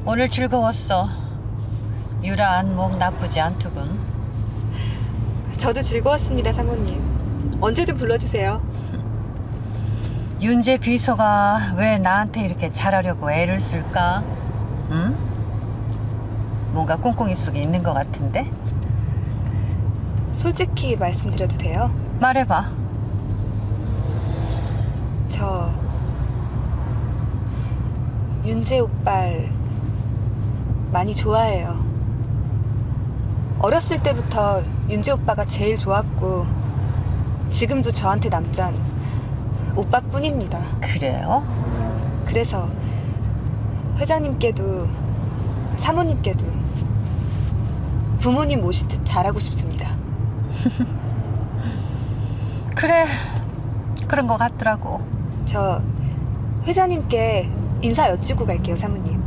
오늘 즐거웠어. 유라 안목 나쁘지 않더군. 저도 즐거웠습니다, 사모님. 언제든 불러주세요. 윤재 비서가 왜 나한테 이렇게 잘하려고 애를 쓸까? 응? 뭔가 꿍꿍이 속에 있는 것 같은데? 솔직히 말씀드려도 돼요? 말해봐. 저 윤재 오빠를 많이 좋아해요. 어렸을 때부터 윤재 오빠가 제일 좋았고 지금도 저한테 남잔 오빠뿐입니다. 그래요? 그래서 회장님께도 사모님께도 부모님 모시듯 잘하고 싶습니다. 그래, 그런 것 같더라고. 저 회장님께 인사 여쭈고 갈게요, 사모님.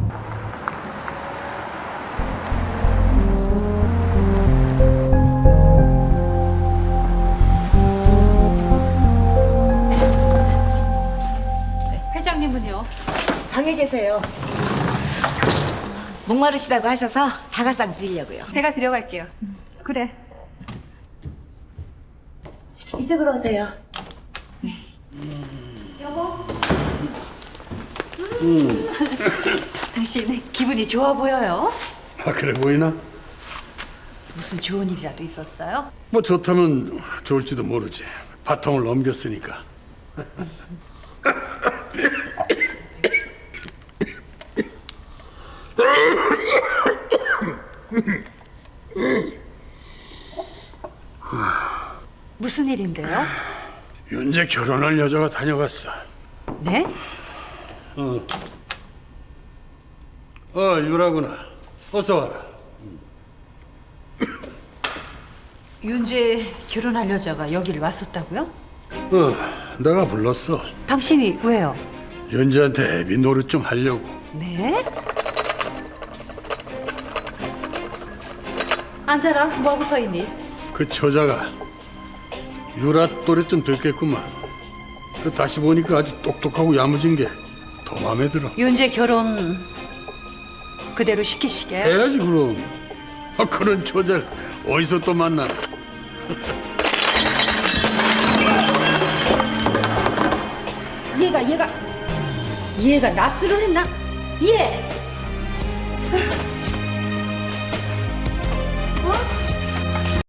회장님은요? 방에 계세요. 목마르시다고 하셔서 다가상 드리려고요. 제가 데려갈게요. 그래. 이쪽으로 오세요. 당신 기분이 좋아 보여요? 아, 그래 보이나? 무슨 좋은 일이라도 있었어요? 뭐 좋다면 좋을지도 모르지. 바통을 넘겼으니까. 무슨 일인데요? 윤재 결혼할 여자가 다녀갔어. 네? 유라구나. 어서 와라. 윤재 결혼할 여자가 여기를 왔었다고요? 내가 불렀어. 당신이 왜요? 윤재한테 애비 노릇 좀 하려고. 네? 앉아라. 뭐하고 서 있니? 그 처자가 유라 또래쯤 됐겠구만. 그 다시 보니까 아주 똑똑하고 야무진 게 더 마음에 들어. 윤재 결혼 그대로 시키시게. 해야지 그럼. 그런 처자를 어디서 또 만나? 얘가 낯술을 했나? 얘!